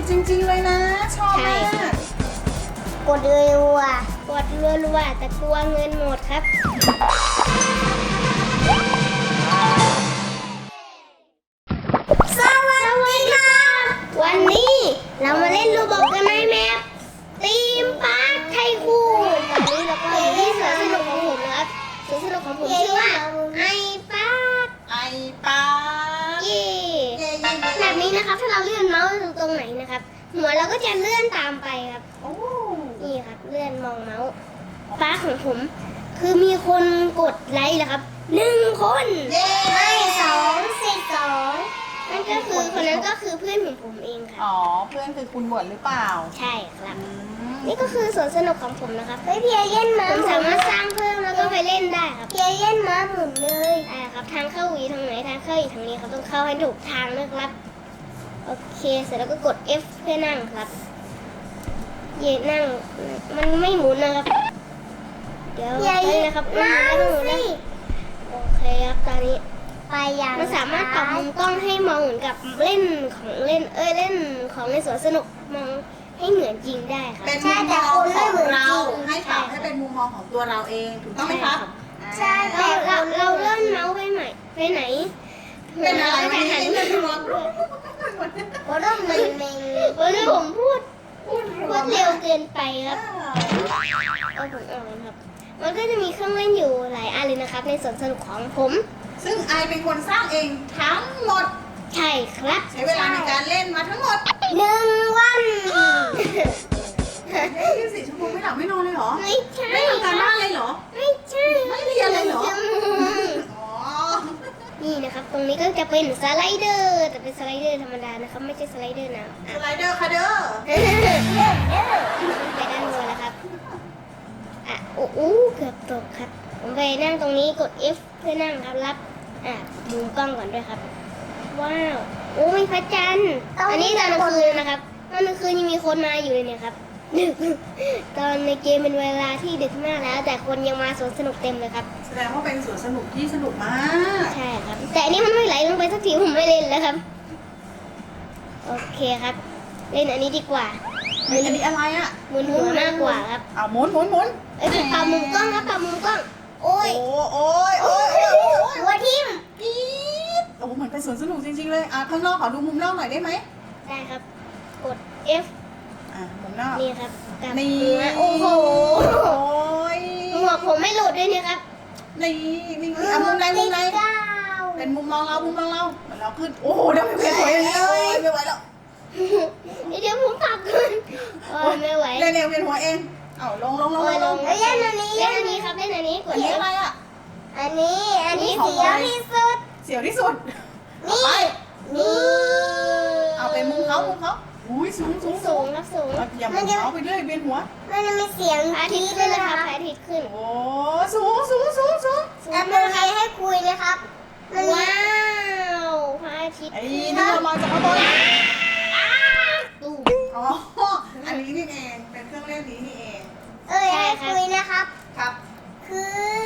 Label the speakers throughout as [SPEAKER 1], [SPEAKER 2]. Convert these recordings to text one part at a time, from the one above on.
[SPEAKER 1] จริงๆเลยนะชอบมาก
[SPEAKER 2] กดรัวๆกดรัวๆแต่กลัวเงินหมดครับสวัสดีครับวันนี้เรามาเล่นรูบอกกันในแมปทีมพาร์คไทคูนตอนนี้เราก็อยู่ที่สวนสนุกของผมนะครับสวนสนุกของผมชื่อว่าไอพาร์ค
[SPEAKER 1] ไอปลา
[SPEAKER 2] เย่แบบนี้นะครับถ้าเราเลื่อนเมาส์ตรงไหนนะครับหัวเราก็จะเลื่อนตามไปครับ
[SPEAKER 1] โอ้
[SPEAKER 2] นี่ครับเลื่อนมองเมาส์ฟ้าของผมคือมีคนกดไลค์แล้วครับ1 คนไม่2 นั่นก็คือคนนั้นก็คือเพื่อนของผมเองค่ะ
[SPEAKER 1] อ๋อเพื่อนคือคุณบวชหรือเปล่า
[SPEAKER 2] ใช่ครับ
[SPEAKER 1] อืม
[SPEAKER 2] นี่ก็คือสวนสนุกของผมนะครับเพียเล่นมาผมสามารถสร้างเพิ่มแล้วก็ไปเล่นได้ครับเพียเล่นมาหมุนเลยได้ครับทางเข้าวีทางไหนทางเข้าอีกทางนี้ครับต้องเข้าให้ถูกทางนะครับโอเคเสร็จแล้วก็กด F เพื่อนั่งครับเย่นั่งมันไม่หมุนนะครับเดี๋ยวไปนะครับนั่งสิโอเคครับตอนนี้มันสามารถปรับมุมกล้องให้มองเหมือนกับเล่นของเล่นเล่นของในสวนสนุกมองให้เหมือนจริงได้ครับ
[SPEAKER 1] เป็นมุมมองของเราให้ปรับให้เป็นมุมมองของตัวเราเองถูกต้องไหมครับ
[SPEAKER 2] ใช่แต่เราเลื่อนเมาส์ไปไหน
[SPEAKER 1] เป็นอะไรวันนี้เป็นรวม
[SPEAKER 2] เพราะว่าผมพูดเร็วเกินไปครับเอาผมออกเลยครับมันก็จะมีเครื่องเล่นอยู่หลายอันเลยนะครับในสวนสนุกของผม
[SPEAKER 1] ซึ่งไอเป็นคนสร้างเองทั้งหมด
[SPEAKER 2] ใช่ครับ
[SPEAKER 1] ใช้เวลาในการเล่นมาทั้งหมด
[SPEAKER 2] 1 วัน
[SPEAKER 1] 24 ชั่วโมงไม่หลับไม่นอนเลยเหรอ
[SPEAKER 2] ไม่ใช่
[SPEAKER 1] ไม่ทำการบ้านเลยเหรอ
[SPEAKER 2] ไม่ใช่
[SPEAKER 1] ไม่เรียนเลยเหรอ อ๋อ
[SPEAKER 2] นี่นะครับตรงนี้ก็จะเป็นสไลเดอร์แต่เป็นสไลเดอร์ธรรมดานะครับไม่ใช่สไลเดอร์นะ
[SPEAKER 1] สไลเดอร์ค่ะเด้อ
[SPEAKER 2] ไปด้านบนแล้วครับโอ้โหเกือบตกครับผมไปนั่งตรงนี้กด F เพื่อนั่งครับรับมุมกล้องก่อนด้วยครับว้าวโอ้มีพระจันทร์อันนี้ตอนกลางคืนนะครับตอนกลางคืนยังมีคนมาอยู่เลยเนี่ยครับดึกตอนในเกมเป็นเวลาที่ดึกมากแล้ว แต่คนยังมาสวนสนุกเต็มเลยครับ
[SPEAKER 1] แสดงว่าเป็นสวนสนุกที่สนุกมาก
[SPEAKER 2] ใช่ครับแต่อันนี้มันไม่ไหลลงไปสักทีผมไม่เล่นแล้วครับโอเคครับ เล่นอันนี้ดีกว่า
[SPEAKER 1] อันนี้อะไรอ่ะ
[SPEAKER 2] หมุนหัวมากกว่าครับ
[SPEAKER 1] เอาหมุน
[SPEAKER 2] ปรับมุมกล้องครับปรับมุมกล้องโอ้ย
[SPEAKER 1] โอ้ย
[SPEAKER 2] หัวทิ่ม
[SPEAKER 1] ปี๊ดโอ้เหมือนเป็นสวนสนุกจริงๆเลยข้างนอกขอดูมุมนอกหน่อยได้ไหม
[SPEAKER 2] ได้ครับ กด F
[SPEAKER 1] มุมนอก
[SPEAKER 2] นี่ครับกับ
[SPEAKER 1] นี่
[SPEAKER 2] หัวโอ้โห
[SPEAKER 1] โอ้ย
[SPEAKER 2] หัวผมไม่หลุดด้วยเนี่ยครับ
[SPEAKER 1] นี่มุมไหนเป็นมุมมองเราเหมือนเราขึ้นโอ้โหเดี๋ยวไม่ไหวเลยไม่ไหวแล้ว
[SPEAKER 2] เดี๋ยวผมปรับก่อนโอ้ยไม่ไหว
[SPEAKER 1] เร็วเวียนหัวเองเอาลง
[SPEAKER 2] เล่นอันนี้ครับเล่นอันนี้กด
[SPEAKER 1] นี่
[SPEAKER 2] F
[SPEAKER 1] อะไรอ่ะ
[SPEAKER 2] อันนี้เสียวที่สุด
[SPEAKER 1] เสียวที่สุด
[SPEAKER 2] นี่นี่
[SPEAKER 1] เอาไปมุมเขาอุ้ยสูง
[SPEAKER 2] สูงครับสูง
[SPEAKER 1] อย่ามุมเขาไปเรื่อยเวียนหัว
[SPEAKER 2] มันจะมีเสียงพระอาทิตย์ขึ้นนะครับพระอาทิตย์ขึ้น
[SPEAKER 1] โอ้สูง
[SPEAKER 2] แอปเปิลให้คุยนะครับว้าวพระอาทิตย์
[SPEAKER 1] ไอ้นี่เรามาจากข้างบน
[SPEAKER 2] ตู้
[SPEAKER 1] อ๋ออันนี้นี่เองเป็นเครื่องเล่นนี้นี่เอง
[SPEAKER 2] ให้คุยนะครับ
[SPEAKER 1] ครับ
[SPEAKER 2] คือ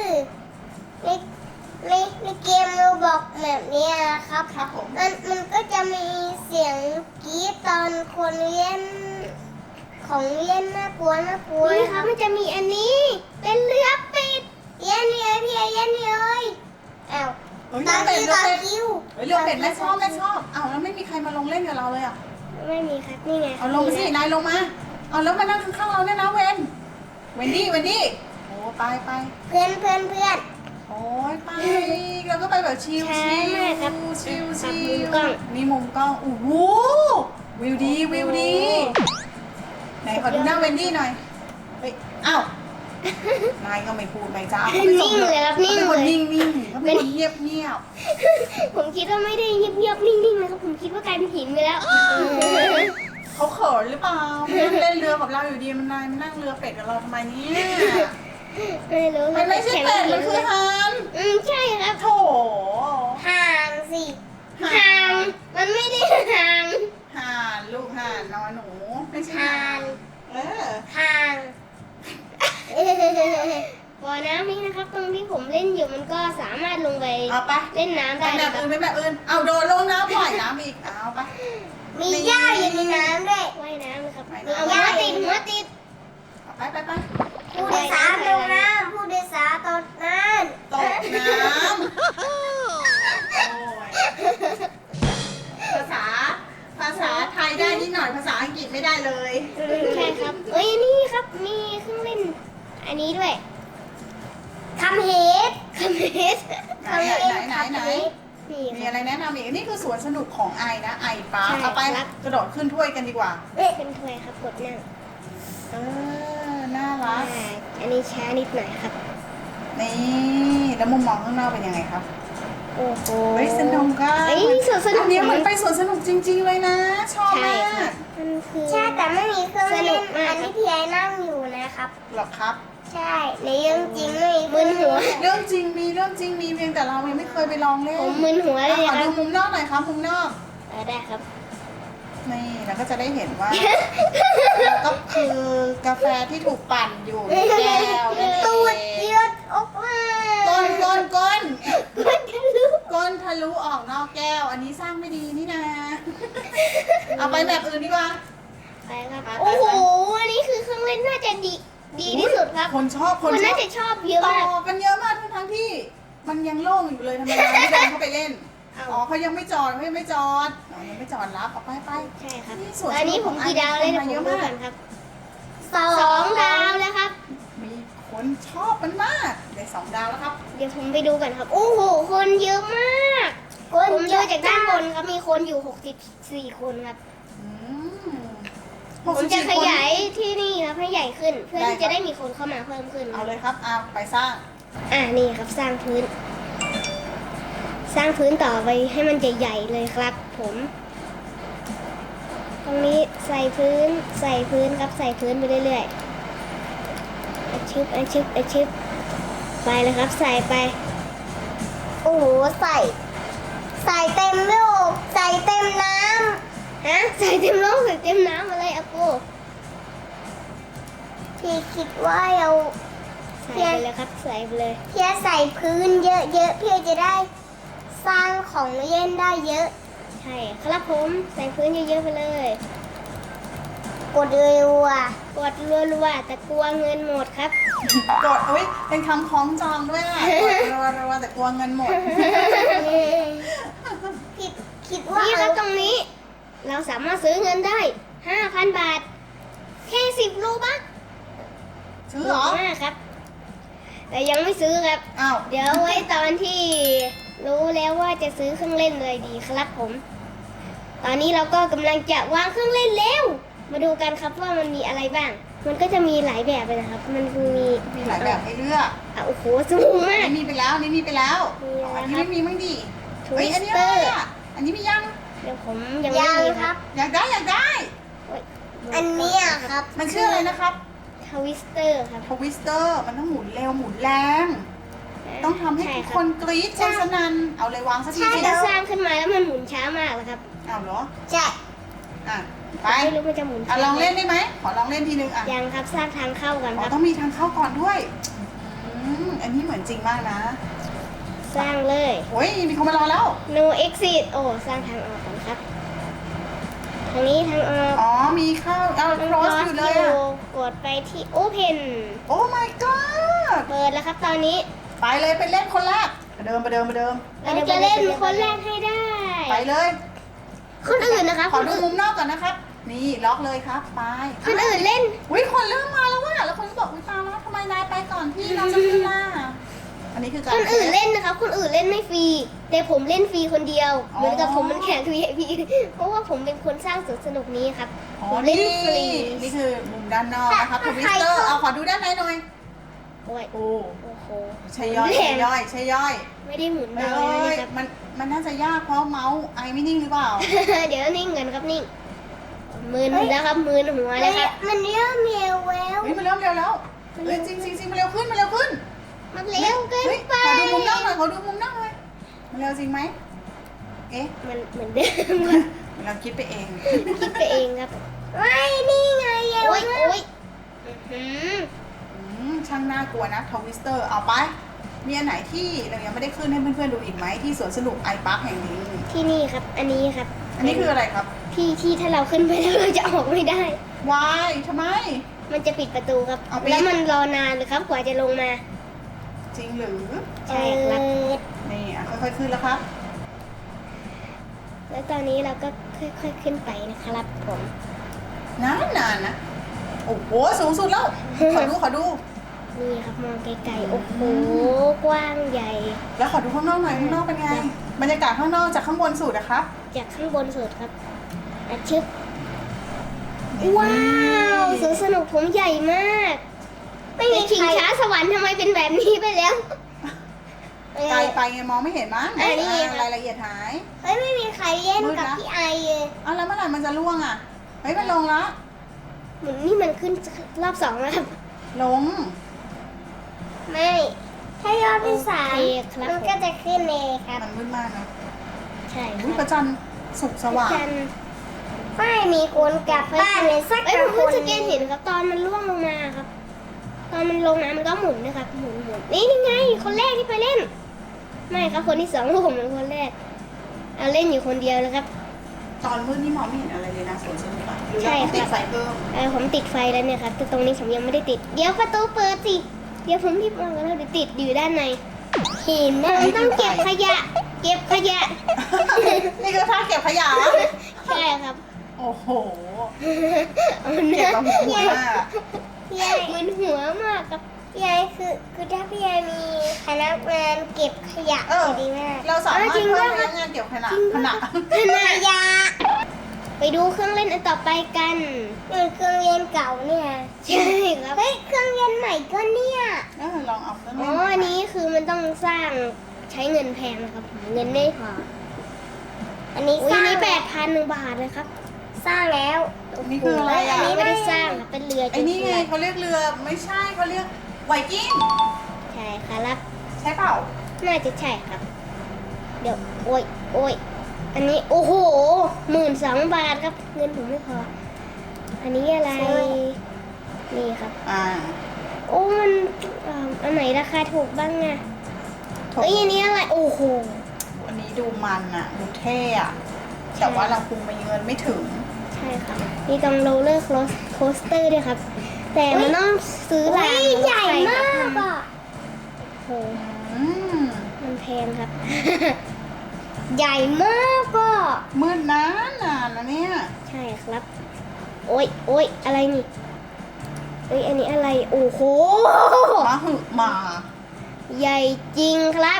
[SPEAKER 2] ในเกมโรบอกแบบนี้นะครับ
[SPEAKER 1] ครับผม
[SPEAKER 2] มันก็จะมีเสียงกรี๊ดตอนคนเล่นของเล่นน่ากลัวนี่ครับมันจะมีอันนี้เป็นเรือปิดเย็นเลยพี่เย็นเลยอ้าว
[SPEAKER 1] เฮ้ยเรือเป็ด
[SPEAKER 2] เรือเป็ด
[SPEAKER 1] แม่ชอบอ้าวแล้วไม่มีใครมาลงเล่นกับเราเลยอ่ะ
[SPEAKER 2] ไม่มีครับนี่ไง
[SPEAKER 1] เอาลงไปสินายลงมาเอาแล้วมานั่งข้างๆเราเนี่ยนะเวนดี้โอ้ไป
[SPEAKER 2] เพื่อน
[SPEAKER 1] โอ้ยไปเราก็ไปแบบชิล
[SPEAKER 2] ช้ามากครับ
[SPEAKER 1] ชิล
[SPEAKER 2] ปรับมุมกล้อง
[SPEAKER 1] มีมุมกล้องโอ้โหวิวดีไหนขอดูหน้าเวนดี้หน่อยเฮ้ยอ้าวนายก็ไม่พูดไม่จ้า
[SPEAKER 2] นิ่งเลยครับนิ่ง
[SPEAKER 1] เป็นคน
[SPEAKER 2] เลย
[SPEAKER 1] นิ่งเขาเป็นคนเงียบ
[SPEAKER 2] ผมคิดว่าไม่ได้เงียบๆนิ่งๆนะครับผมคิดว่ากลายเป็นหินไปแล้ว
[SPEAKER 1] เขาเขินหรือเปล่าเล่นเรือกับเราอยู่ดีมันนายมานั่งเรือเป็ดกับเราทำไมเนี่ย
[SPEAKER 2] ไม่รู้
[SPEAKER 1] มันไม่ใช่เป็ดมันคือห่าน
[SPEAKER 2] ใช่ครับ
[SPEAKER 1] โถ
[SPEAKER 2] ห่างสิห่างมันไม่ได้ห่าง
[SPEAKER 1] ห่านลูกห่านนอนหนูไม่ใช่
[SPEAKER 2] ห่าง ห่างบ่อน้ำนี้นะครับตรงที่ผมเล่นอยู่มันก็สามารถลงไป
[SPEAKER 1] เอาไป
[SPEAKER 2] เล่นน้ำได้
[SPEAKER 1] แบบ
[SPEAKER 2] นะครับ
[SPEAKER 1] อื่นเอาโดนลงน้ำปล่อยน้ำอีกเอาไป
[SPEAKER 2] มีหญ้าอยู่ในน้ำด้วยว่ายน้ำนะครับเอาหัวติด
[SPEAKER 1] ไป
[SPEAKER 2] ผู้โดยสารลงน้ำผู้โดยสารตกน้ำ
[SPEAKER 1] ตกน้ำโอ้ยภาษาไทยได้นิดหน่อยภาษาอังกฤษไม่ได้เลย
[SPEAKER 2] ใช่ครับเอ้ยนี่ครับมีเครื่องเล่นอันนี้ด้วยคำเฮด
[SPEAKER 1] ไหน
[SPEAKER 2] นี่
[SPEAKER 1] มี
[SPEAKER 2] ครั
[SPEAKER 1] อะไรแนะนำอีกนี่คือสวนสนุกของไอนะไอปาร์ค
[SPEAKER 2] ใช่
[SPEAKER 1] เอาไป
[SPEAKER 2] ครับ
[SPEAKER 1] กระโดดขึ้นถ้วยกันดีกว่า
[SPEAKER 2] เป็นถ้วยครับกดนั่ง
[SPEAKER 1] น่ารัก
[SPEAKER 2] อันนี้ช้านิดหน่อยครับ
[SPEAKER 1] นี่แล้วมุมมองข้างนอกเป็นยังไงครับ
[SPEAKER 2] โอ้โห
[SPEAKER 1] เฮ้ยสนุกอ่ะ
[SPEAKER 2] เอ้ยมีสวนสนุก
[SPEAKER 1] อันนี้มันไปสวนสนุกจริง ๆเลยนะ ชอบ
[SPEAKER 2] ใช่
[SPEAKER 1] มา
[SPEAKER 2] ค่ะ
[SPEAKER 1] ก
[SPEAKER 2] มันคือใช่แต่ไม่มีเครื่องเล่นอันนี้พี่ไอ้นั่งอยู่นะครับ
[SPEAKER 1] หรอครับ
[SPEAKER 2] ใช่ในเรื่องจริงไม่มีมึนหัว
[SPEAKER 1] เรื่องจริงมีเพียงแต่เรายังไม่เคยไปลองเล่น
[SPEAKER 2] ผมมึนหัวเลย
[SPEAKER 1] ขอ
[SPEAKER 2] ครั
[SPEAKER 1] ดู
[SPEAKER 2] บ
[SPEAKER 1] มุมนอกหน่อยครับมุมนอก
[SPEAKER 2] ได้ครับ
[SPEAKER 1] นี่แล้วก็จะได้เห็นว่า ก็คือกาแฟที่ถูกปั่นอยู่ในแก้วนั่นเอง
[SPEAKER 2] ตูดเยือดออกมา
[SPEAKER 1] ก้น
[SPEAKER 2] ก้น
[SPEAKER 1] ทะลุออกนอกแก้ว อันนี้สร้างไม่ดีนี่นะ เอาไปแบบอื่นดีกว่า
[SPEAKER 2] ไปครับโอ้โหอันนี้คือเครื่องเล่นน่าจะดีที่สุดครับ
[SPEAKER 1] คนชอบ
[SPEAKER 2] คนน่าจะชอบเยอะ
[SPEAKER 1] ต่
[SPEAKER 2] มาก
[SPEAKER 1] อกันเยอะมากทั้งที่ มันยังโล่งอยู่เลยทำไมเราไม่เดินเข้าไปเล่น
[SPEAKER 2] เอา
[SPEAKER 1] อ๋อเขายังไม่จอดยังไม่จอดรับเอาไป
[SPEAKER 2] ใช่ครับ
[SPEAKER 1] นี่สวน
[SPEAKER 2] ตอนนี้ผมกี่ดาวเลยนะผมดูกันครับ2 ดาวแล้วครับ
[SPEAKER 1] มีคนชอบมันมากได้2 ดาวแล้วครับ
[SPEAKER 2] เดี๋ยวผมไปดูกันครับ โอ้โห คนเยอะมากผมดูจากด้านบนครับมีคนอยู่64 คนครับ
[SPEAKER 1] อืม
[SPEAKER 2] ผมจะ
[SPEAKER 1] 64
[SPEAKER 2] ขยายที่นี่ครับให้ใหญ่ขึ้น เพื่อ
[SPEAKER 1] ได้
[SPEAKER 2] ที่
[SPEAKER 1] ครั
[SPEAKER 2] จะ
[SPEAKER 1] บ
[SPEAKER 2] ได้มีคนเข้ามาเพิ่มขึ้น
[SPEAKER 1] เอาเลยครับเอาไปสร้าง
[SPEAKER 2] นี่ครับสร้างพื้น สร้างพื้นต่อไปให้มันใหญ่ๆเลยครับ ผม ตรงนี้ใส่พื้นครับใส่พื้นไปเรื่อยๆอาชิบไปเลยครับใส่ไป โอ้โหใส่เต็มโลกใส่เต็มน้ำฮะใส่เต็มโลกใส่เต็มน้ำอะไรอะโกพี่คิดว่าเราใส่ไปเลยครับใส่ไปเลยพี่ใส่พื้นเยอะๆพี่จะได้สร้างของเล่นได้เยอะ ใช่ครับผมใส่พื้นเยอะๆไปเลย กดรัวๆแต่กลัวเงินหมดครับ
[SPEAKER 1] กดอุ้ยเป็นคำคล้องจองด้วยอ่ะกดรัวๆแต่กลัวเงินหมด
[SPEAKER 2] คิดว่านี่ครับตรงนี้ เราสามารถซื้อเงินได้ 5,000 บาท แค่10 โลบัค
[SPEAKER 1] ซื้อเหรอ
[SPEAKER 2] มากครับ แต่ยังไม่ซื้อครับ
[SPEAKER 1] อ้าว
[SPEAKER 2] เดี๋ยวไว้ตอนที่รู้แล้วว่าจะซื้อเครื่องเล่นเลยดีครับผม ตอนนี้เราก็กำลังจะวางเครื่องเล่นแล้ว มาดูกันครับว่ามันมีอะไรบ้าง มันก็จะมีหลายแบบเลยนะครับ มันมี
[SPEAKER 1] หลายแบบให้เลือก
[SPEAKER 2] โอ้โหสูงมา
[SPEAKER 1] อั
[SPEAKER 2] ก
[SPEAKER 1] นนี้มีไปแล้วอันนี้มีไปแล้ว
[SPEAKER 2] มีอะไร
[SPEAKER 1] อันนี้
[SPEAKER 2] ครับ
[SPEAKER 1] ไม่มีมั้งดิ
[SPEAKER 2] ทวิ
[SPEAKER 1] เฮ้ย
[SPEAKER 2] ส
[SPEAKER 1] อันนี้
[SPEAKER 2] เต
[SPEAKER 1] อะ
[SPEAKER 2] อ
[SPEAKER 1] ไร
[SPEAKER 2] ร์
[SPEAKER 1] อ่ะอันนี้มียัง
[SPEAKER 2] เดี๋ยวผมยังไม่มีครับ
[SPEAKER 1] อยากได้
[SPEAKER 2] อันนี้ครับ
[SPEAKER 1] มันชื่ออะไรนะครับ
[SPEAKER 2] ทวิสเตอร์ครับ
[SPEAKER 1] ทวิสเตอร์มันต้องหมุนเร็วหมุนแรง ต้องทำให้ทุกคนกรี๊ดคนสนั่นเอาเลยวางสักที
[SPEAKER 2] ใช่
[SPEAKER 1] สิ
[SPEAKER 2] ถ้าสร้างขึ้นมาแล้วมันหมุนช้ามากเลยครับ
[SPEAKER 1] เอาเหรอ
[SPEAKER 2] ใช่
[SPEAKER 1] อ่ะไป
[SPEAKER 2] ไม่รู้มันจะหมุน
[SPEAKER 1] ลองเล่นได้ไหมขอลองเล่นทีนึงอ่ะ
[SPEAKER 2] ยังครับสร้างทางเข้ากัน
[SPEAKER 1] อ๋
[SPEAKER 2] ค
[SPEAKER 1] อ
[SPEAKER 2] รับ
[SPEAKER 1] ต้องมีทางเข้าก่อนด้วยอันนี้เหมือนจริงมากนะ
[SPEAKER 2] สร้างเลย
[SPEAKER 1] โอ้ยมีคนมารอแล้ว
[SPEAKER 2] no exit โอ้สร้างทางออกก่อนครับ ทางนี้ทางออก
[SPEAKER 1] อ๋อมีเข้าเอา cross อยู่เลยอ่ะ
[SPEAKER 2] กดไปที่ open
[SPEAKER 1] โอ้ my god
[SPEAKER 2] เปิดแล้วครับตอนนี้
[SPEAKER 1] ไปเลยไปเล่นคนแรกประเดิม
[SPEAKER 2] เราจะเล่นคนแรกให้ได้
[SPEAKER 1] ไปเลย
[SPEAKER 2] คนอื่นนะครับ
[SPEAKER 1] ขอดูมุมนอกก่อนนะครับ นี่ล็อกเลยครับไป
[SPEAKER 2] คนอื่นเล่น
[SPEAKER 1] อุ้ยคนเริ่มมาแล้วว่ะแล้วคนก็บอกอุ้ยตามแล้วทำไมนายไปก่อนพี่เราจะขึ้นล่ะอันนี้คือการ
[SPEAKER 2] คนอื่นเล่นนะครับ คนอื่นเล่นไม่ฟรี แต่ผมเล่นฟรีคนเดียว
[SPEAKER 1] อ๋อ
[SPEAKER 2] เหมือนกับผมมันแข่ง VIP เพราะว่าผมเป็นคนสร้างสวนสนุกนี้ครับ
[SPEAKER 1] อ๋อ
[SPEAKER 2] ผมเล่นฟรี
[SPEAKER 1] นี่คือมุมด้านนอกนะครับทวิสเตอร์เอาขอดูด้านในหน่อย
[SPEAKER 2] โอ้ย
[SPEAKER 1] โอ้
[SPEAKER 2] โอ้โห
[SPEAKER 1] ใช่ย่อยใช่ย่อยใช่ย่อย
[SPEAKER 2] ไม่ได้หมุน
[SPEAKER 1] เอ
[SPEAKER 2] ดาวเลย้
[SPEAKER 1] ย
[SPEAKER 2] นะครับ
[SPEAKER 1] มันน่าจะยากเพราะเมาส์ไอไม่นิ่งหรือเปล่า
[SPEAKER 2] เดี๋ยวนิ่งกันครับนิ่งมือแล้วครับมือหัวแล้วครับมันเริ่มเร็วแล้ว
[SPEAKER 1] เฮ้ยมันเริ่มเร็วแล้วเฮ้ยจริงมันเร็วขึ้น
[SPEAKER 2] มันเร็วเกิน
[SPEAKER 1] เฮ้ย
[SPEAKER 2] ไป
[SPEAKER 1] ขอดูมุมนอกหน่อยมันเร็วจริงไหมเอ๊ะ
[SPEAKER 2] มันเหมือนเดิมครับ
[SPEAKER 1] เราคิดไปเอง
[SPEAKER 2] คิดไปเองครับไม่นี่ไงเร็วโอ้ย
[SPEAKER 1] ช่างน่ากลัวนะทวิสเตอร์เอาไปมีอันไหนที่เรายังไม่ได้ขึ้นให้เพื่อนๆดูอีกไหมที่สวนสนุกไอพาร์คแห่งนี้
[SPEAKER 2] ที่นี่ครับ อันนี้ครับ
[SPEAKER 1] อันนี้คืออะไรครับ
[SPEAKER 2] ที่ถ้าเราขึ้นไปแล้วเราจะออกไม่ได้
[SPEAKER 1] วายทำไม
[SPEAKER 2] มันจะปิดประตูครับ
[SPEAKER 1] เอาไป
[SPEAKER 2] แล้วมันรอนานเลยครับกว่าจะลงมา
[SPEAKER 1] จริงหรือ
[SPEAKER 2] ใช่ครับ
[SPEAKER 1] นี่อ่ะค่อยๆขึ้นแล้วครับ
[SPEAKER 2] แล้วตอนนี้เราก็ค่อยๆขึ้นไปนะครับผม
[SPEAKER 1] นานนะโอ้โหสูงสุดแล้ว ขอดู
[SPEAKER 2] นี่ครับมองไกลๆโอ้โหกว้างใหญ่
[SPEAKER 1] แล้วขอดูข้างนอกหน่อยข้างนอกเป็นไง บรรยากาศข้างนอกจากข้างบนสุดนะคะ
[SPEAKER 2] จากข้างบนสุดครับอาชึบว้าวสวนสนุกผมใหญ่มาก ไม่มีชิงช้าสวรรค์ทำไมเป็นแบบนี้ไปแล้ว
[SPEAKER 1] ไกลไปไงมองไม่เห็นมั้ง
[SPEAKER 2] นี่ครับ
[SPEAKER 1] รายละเอียดหาย
[SPEAKER 2] เฮ้ยไม่มีใครเล่นกับพี่ไอเลย
[SPEAKER 1] อ้าวแล้วเมื่อไหร่มันจะล่วงอ่ะ เฮ้ยมันลงละ
[SPEAKER 2] เหมือนนี่มันขึ้นรอบ2แล้วครับ
[SPEAKER 1] ลง
[SPEAKER 2] ไม่ ถ้ายอดเป็น3มันก็จะขึ้นเองครับ
[SPEAKER 1] มันมืดมากนะ
[SPEAKER 2] ใช่ค
[SPEAKER 1] อุ้ยพ
[SPEAKER 2] รับ
[SPEAKER 1] ระจันทร์สุกสว่าง
[SPEAKER 2] ไม่มีคนกลับบ้านเลยสักคนผมเพิ่งจะเห็นครับตอนมันล่วงลงมาครับ ตอนมันลงน้ำมันก็หมุนนะครับหมุนนี่ไงคนแรกที่ไปเล่น ไม่ครับคนที่2ผมเป็นคนแรกเอาเล่นอยู่คนเดียวนะครับ
[SPEAKER 1] ตอนมืดนี่มองไม่เห็นอะไรเลยนะสวนสนุกอะหรือ
[SPEAKER 2] ใช่
[SPEAKER 1] เราต้องติด
[SPEAKER 2] ครับ
[SPEAKER 1] ไฟเพิ่ม
[SPEAKER 2] ผมติดไฟแล้วเนี่ยครับแต่ตรงนี้ผมยังไม่ได้ติด เดี๋ยวประตูเปิดสิเดี๋ยวผมรีบมองกันแล้วเดี๋ยวติดอยู่ด้านในเห็นนะต้องเก็บขยะ เก็บขยะ
[SPEAKER 1] นี่คือท่าเก็บขยะเหรอ
[SPEAKER 2] ใช่ครับ
[SPEAKER 1] โอ้โห
[SPEAKER 2] เอา
[SPEAKER 1] เก็บ
[SPEAKER 2] นะ
[SPEAKER 1] มาหัวมากอะ
[SPEAKER 2] พี่ยายมันหัวมากครับพี่ยายคือถ้าพี่ยายมีพนักงานเก็บขยะดีมาก
[SPEAKER 1] เราสามารถ
[SPEAKER 2] จริง
[SPEAKER 1] เพิ่
[SPEAKER 2] ด้ว
[SPEAKER 1] ม
[SPEAKER 2] ย
[SPEAKER 1] พ
[SPEAKER 2] ครั
[SPEAKER 1] นั
[SPEAKER 2] บ
[SPEAKER 1] กงานเกี่ยวขณะ
[SPEAKER 2] ขยะไปดูเครื่องเล่นอันต่อไปกันเครื่องเล่นเก่าเนี่ยใช่ครับเฮ้ยเครื่องเล่นใหม่ก็เนี่ย
[SPEAKER 1] ลองเอาเครื่อง
[SPEAKER 2] อ๋
[SPEAKER 1] เล่
[SPEAKER 2] อน อันนี้คือมันต้องสร้างใช้เงินแพงนะครับเงินไม่พออันนี้สร้างนี้8,000 บาทเลยครับ สร้างแล้ว
[SPEAKER 1] นี่คืออะไร
[SPEAKER 2] อั
[SPEAKER 1] อ่ะ
[SPEAKER 2] นนี้ไม่ได้สร้างครับเป็นเรือ
[SPEAKER 1] ไอ้นี่ไงเขาเรียกเรือไม่ใช่เขาเรียกไวกิ้ง
[SPEAKER 2] ใช่ครับ
[SPEAKER 1] ใช่เปล่า
[SPEAKER 2] น่าจะใช่ครับ เดี๋ยวโอ้ยอันนี้โอ้โห12,000 บาทครับ เงินผมไม่พอ อันนี้อะไรนี่ครับ โอ้มันอันไหนราคาถูกบ้างอะเอ้ยอันนี้อะไรโอ้โห
[SPEAKER 1] อันนี้ดูมันอะดูเท่อะแต่ว่าเราคงมีเงินไม่ถึง
[SPEAKER 2] ใช่ครับมีตรงโรลเลอร์โคสเตอร์ด้วยครับ แต่มันต้องซื้อรางใหญ่มากอ่ะโห
[SPEAKER 1] อืม
[SPEAKER 2] มันแพงครับ ใหญ่มากก็
[SPEAKER 1] มืดนานนะเนี่ย
[SPEAKER 2] ใช่ครับ โอ้ยอะไรนี่เอ้ยอันนี้อะไรโอ้โห
[SPEAKER 1] มาหึมา
[SPEAKER 2] ใหญ่จริงครับ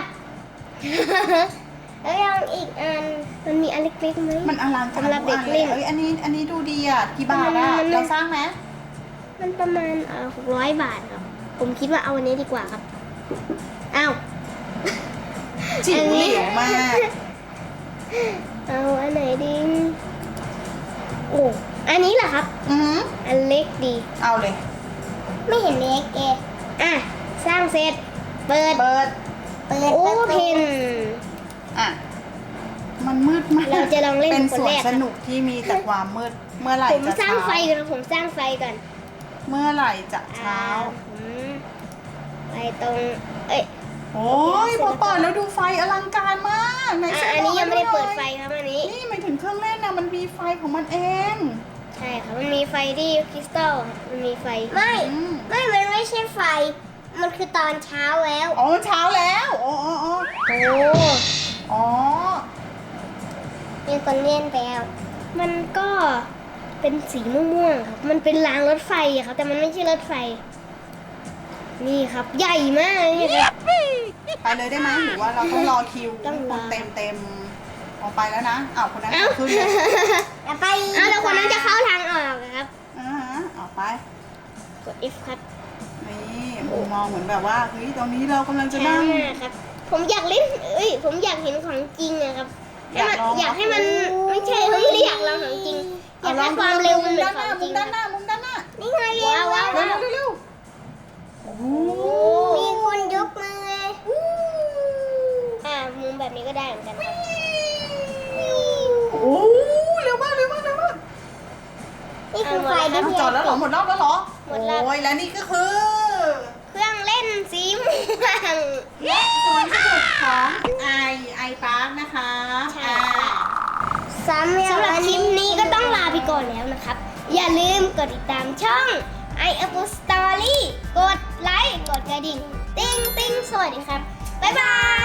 [SPEAKER 2] แล้วยังอีกอันมันมีอันเล็กๆไหม
[SPEAKER 1] มันอลังการ
[SPEAKER 2] สำหรับเด็กเล่น
[SPEAKER 1] เอ้ยอันนี้ดูดีอะกี่บาทอะ
[SPEAKER 2] มัน
[SPEAKER 1] เราสร้างไหม
[SPEAKER 2] มันประมาณ600 บาทครับ ผมคิดว่าเอาอันนี้ดีกว่าครับอ้าว
[SPEAKER 1] จิ๋วเหลวมาก
[SPEAKER 2] เอาอันไหนดีโอ้อันนี้เหรอครับ
[SPEAKER 1] อือ
[SPEAKER 2] อันเล็กดี
[SPEAKER 1] เอาเลย
[SPEAKER 2] ไม่เห็นเล็กอ่ะสร้างเสร็จเปิด
[SPEAKER 1] เปิด
[SPEAKER 2] โอ้เพน
[SPEAKER 1] อ่ะมันมืดมาก
[SPEAKER 2] เราจะลองเล่น
[SPEAKER 1] เป็น
[SPEAKER 2] คน
[SPEAKER 1] สวน
[SPEAKER 2] แรก
[SPEAKER 1] สนุกที่มีแต่ความมืดเมื่อไหร่
[SPEAKER 2] ผม
[SPEAKER 1] จะ
[SPEAKER 2] สร้า
[SPEAKER 1] เช้าง
[SPEAKER 2] ไฟก่อนผมสร้างไฟก่อน
[SPEAKER 1] เมื่อไหร่จะเช้า
[SPEAKER 2] ผมไปตรงเอ้ย
[SPEAKER 1] โอ้ยพอเปิดแล้วดูไฟอลังการมากไหน
[SPEAKER 2] อันนี้ยังไม่ได้เปิดไฟครับอันนี้
[SPEAKER 1] นี่หมายถึงเครื่องเล่นนะมันมีไฟของมันเอง
[SPEAKER 2] ใช่ค่ะมันมีไฟที่คริสตัลครับมันมีไฟไม่
[SPEAKER 1] อืม
[SPEAKER 2] มันไม่ใช่ไฟ มันคือตอนเช้าแล้ว
[SPEAKER 1] อ๋อเช้าแล้วอ๋ออ๋อ
[SPEAKER 2] โอ้
[SPEAKER 1] อ๋อ
[SPEAKER 2] มีคนเล่นไปแล้วมันก็เป็นสีม่วงๆครับมันเป็นรางรถไฟอะครับแต่มันไม่ใช่รถไฟ นี่ครับใหญ่มากเลยครับ
[SPEAKER 1] ไปเลยได้ไหมหรือว่าเราต้องรอคิว
[SPEAKER 2] ต้องรอ
[SPEAKER 1] คนเต็มออกไปแล้วนะอ้าวคนนั้น
[SPEAKER 2] เอ้า
[SPEAKER 1] ขึ้นเลย
[SPEAKER 2] ไปแล้วคนนั้นจะเข้าทางออกอะครับ
[SPEAKER 1] ออกไป
[SPEAKER 2] กด F ครับ
[SPEAKER 1] นี่มุมมองเหมือนแบบว่าเฮ้ยตอนนี้เรากำลังจะ
[SPEAKER 2] ช้า
[SPEAKER 1] นั่ง
[SPEAKER 2] มากครับ ผมอยากเล่นผมอยากเห็นของจริงอะครับ อยากให้มันไม่ใช่ผมไม่ได้อยากลองของจริง อยากให้ความเร็วมันเหมือนของจริง
[SPEAKER 1] ด้านหน้ามุมด้านหน้า
[SPEAKER 2] นี่ไงว้าว
[SPEAKER 1] เร็วเร็วโอ้โห
[SPEAKER 2] มีคนยกมือเลยมุมแบบนี้ก็ได้เหมือนกันครับ
[SPEAKER 1] โอ้เร็วมากเร็วมากเร็วมาก
[SPEAKER 2] นี่คือไฟที่
[SPEAKER 1] จอดแล้วเหรอหมดรอบแล้วเหรอ
[SPEAKER 2] หมดรอบ
[SPEAKER 1] โอ้ยแล้วนี่ก็คือ
[SPEAKER 2] เครื่องเล่นสีม่วง
[SPEAKER 1] และสวนสนุกของไอพาร์คนะคะ
[SPEAKER 2] ใช่ สำหรับคลิปนี้ก็ก่อนแล้วนะครับ อย่าลืมกดติดตามช่อง i Apple Story กดไลค์ กดกระดิ่ง ติ๊งติ๊งสวัสดีครับ บ๊ายบาย